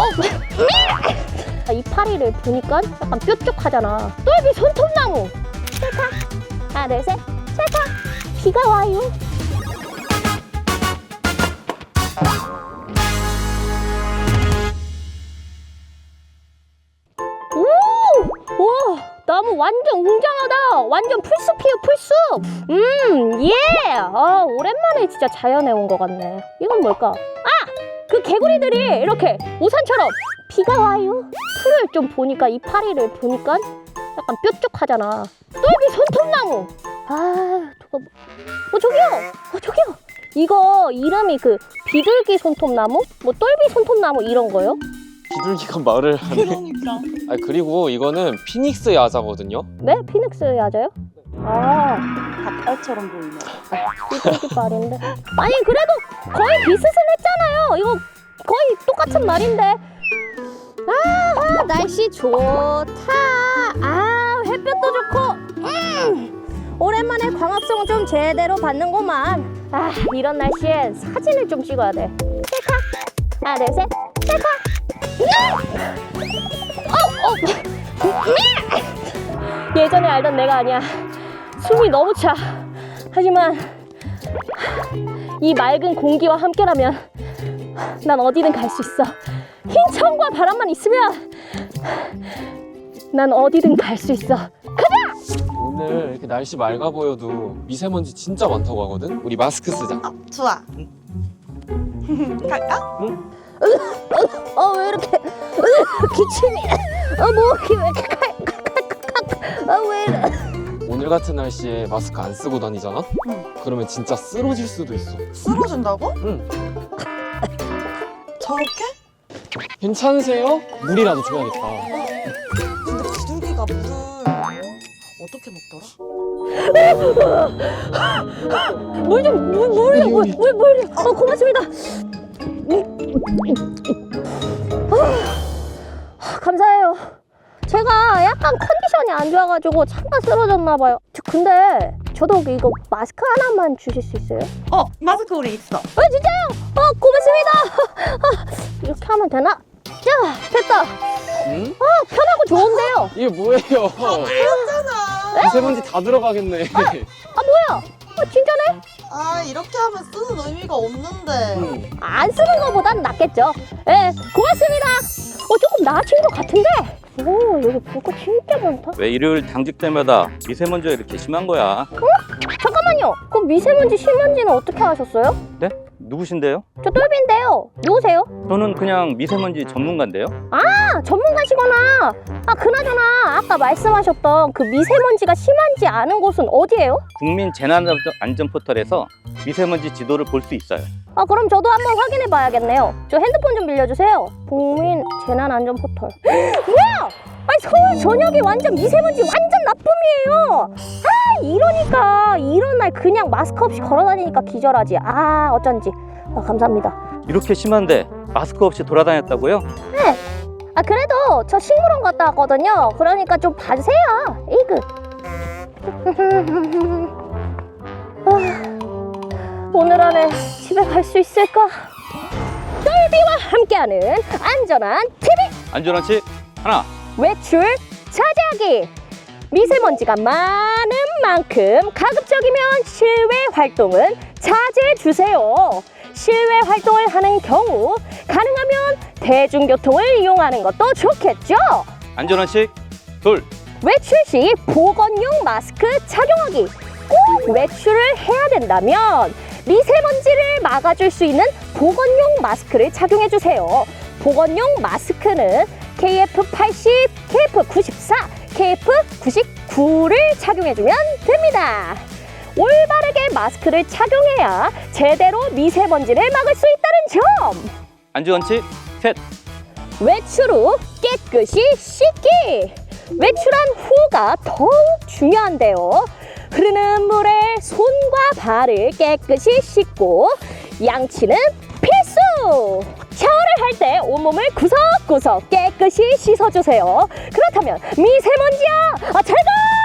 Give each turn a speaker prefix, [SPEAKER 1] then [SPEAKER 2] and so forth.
[SPEAKER 1] 이파리를 보니까 약간 뾰족하잖아. 똘비 손톱나무. 찰칵. 하나, 둘, 셋. 찰칵. 비가 와요. 오! 와, 나무 완전 웅장하다. 완전 풀숲이에요, 풀숲. 예. 오랜만에 진짜 자연에 온 것 같네. 이건 뭘까? 그 개구리들이 이렇게 우산처럼 비가 와요. 풀을 좀 보니까 이파리를 보니까 약간 뾰족하잖아. 똘비 손톱나무. 저기요. 저기요. 이거 이름이 그 비둘기 손톱나무? 뭐 똘비 손톱나무 이런 거요?
[SPEAKER 2] 비둘기가 말을 하네.
[SPEAKER 3] 그러니까.
[SPEAKER 2] 그리고 이거는 피닉스 야자거든요.
[SPEAKER 1] 네? 피닉스 야자요?
[SPEAKER 3] 닭발처럼 보이네.
[SPEAKER 1] 비둘기 말인데. 아니 그래도 거의 비슷했잖아요. 이거 거의 똑같은 말인데. 날씨 좋다. 햇볕도 좋고. 오랜만에 광합성 좀 제대로 받는구만. 이런 날씨에 사진을 좀 찍어야 돼. 셀카. 하나, 둘, 셋. 셀카. 예전에 알던 내가 아니야. 숨이 너무 차. 하지만 이 맑은 공기와 함께라면 난 어디든 갈 수 있어. 흰 천과 바람만 있으면 난 어디든 갈 수 있어. 가자!
[SPEAKER 2] 오늘 이렇게 날씨 맑아 보여도 미세먼지 진짜 많다고 하거든? 우리 마스크 쓰자.
[SPEAKER 3] 좋아. 갈까?
[SPEAKER 1] 왜 이렇게 기침이 목이 왜 이렇게 왜 이래.
[SPEAKER 2] 오늘 같은 날씨에 마스크 안 쓰고 다니잖아? 그러면 진짜 쓰러질 수도 있어.
[SPEAKER 3] 쓰러진다고?
[SPEAKER 2] 응.
[SPEAKER 3] 저렇게?
[SPEAKER 2] 괜찮으세요? 물이라도 줘야겠다.
[SPEAKER 3] 근데 비둘기가 물을 어떻게 먹더라?
[SPEAKER 1] 물 고맙습니다. 감사해요. 제가 약간 컨디션이 안 좋아가지고 잠깐 쓰러졌나 봐요. 근데 저도 이거 마스크 하나만 주실 수 있어요?
[SPEAKER 3] 마스크 우리 있어.
[SPEAKER 1] 진짜요? 고맙습니다. 이렇게 하면 되나? 자, 됐다.
[SPEAKER 2] 응?
[SPEAKER 1] 편하고 좋은데요.
[SPEAKER 2] 이게 뭐예요?
[SPEAKER 3] 그렇잖아.
[SPEAKER 2] 미세먼지 다 들어가겠네.
[SPEAKER 1] 뭐야? 진짜네?
[SPEAKER 3] 이렇게 하면 쓰는 의미가 없는데.
[SPEAKER 1] 안 쓰는 것보단 낫겠죠. 고맙습니다. 조금 나아진 것 같은데. 여기 볼 거 진짜 많다.
[SPEAKER 4] 왜 일요일 당직 때마다 미세먼지가 이렇게 심한 거야?
[SPEAKER 1] 잠깐만요. 그 미세먼지 심한지는 어떻게 아셨어요?
[SPEAKER 4] 네? 누구신데요?
[SPEAKER 1] 저 똘비인데요. 누구세요?
[SPEAKER 4] 저는 그냥 미세먼지 전문가인데요.
[SPEAKER 1] 전문가시구나. 그나저나 아까 말씀하셨던 그 미세먼지가 심한지 아는 곳은 어디예요?
[SPEAKER 4] 국민 재난안전 포털에서 미세먼지 지도를 볼 수 있어요.
[SPEAKER 1] 그럼 저도 한번 확인해 봐야겠네요. 저 핸드폰 좀 빌려주세요. 국민 재난안전 포털. 뭐야? 서울 전역이 완전 미세먼지 완전 나쁨이에요. 이러니까 이런 날 그냥 마스크 없이 걸어다니니까 기절하지. 어쩐지. 감사합니다.
[SPEAKER 4] 이렇게 심한데 마스크 없이 돌아다녔다고요?
[SPEAKER 1] 네. 그래도 저 식물원 갔다 왔거든요. 그러니까 좀 봐주세요. 이그. 오늘 안에 집에 갈 수 있을까? 똘비와 함께하는 안전한 TV
[SPEAKER 4] 안전한 씨 하나.
[SPEAKER 1] 외출 자제하기. 미세먼지가 많은 만큼 가급적이면 실외 활동은 자제해 주세요. 실외 활동을 하는 경우 가능하면 대중교통을 이용하는 것도 좋겠죠.
[SPEAKER 4] 안전한 씨 둘.
[SPEAKER 1] 외출 시 보건용 마스크 착용하기. 꼭 외출을 해야 된다면 미세먼지를 막아줄 수 있는 보건용 마스크를 착용해 주세요. 보건용 마스크는 KF80, KF94, KF99를 착용해주면 됩니다. 올바르게 마스크를 착용해야 제대로 미세먼지를 막을 수 있다는 점.
[SPEAKER 4] 안전한 씨 셋.
[SPEAKER 1] 외출 후 깨끗이 씻기. 외출한 후가 더욱 중요한데요. 흐르는 물에 손과 발을 깨끗이 씻고 양치는 필수! 샤워를 할 때 온몸을 구석구석 깨끗이 씻어주세요. 그렇다면 미세먼지야, 잘 가!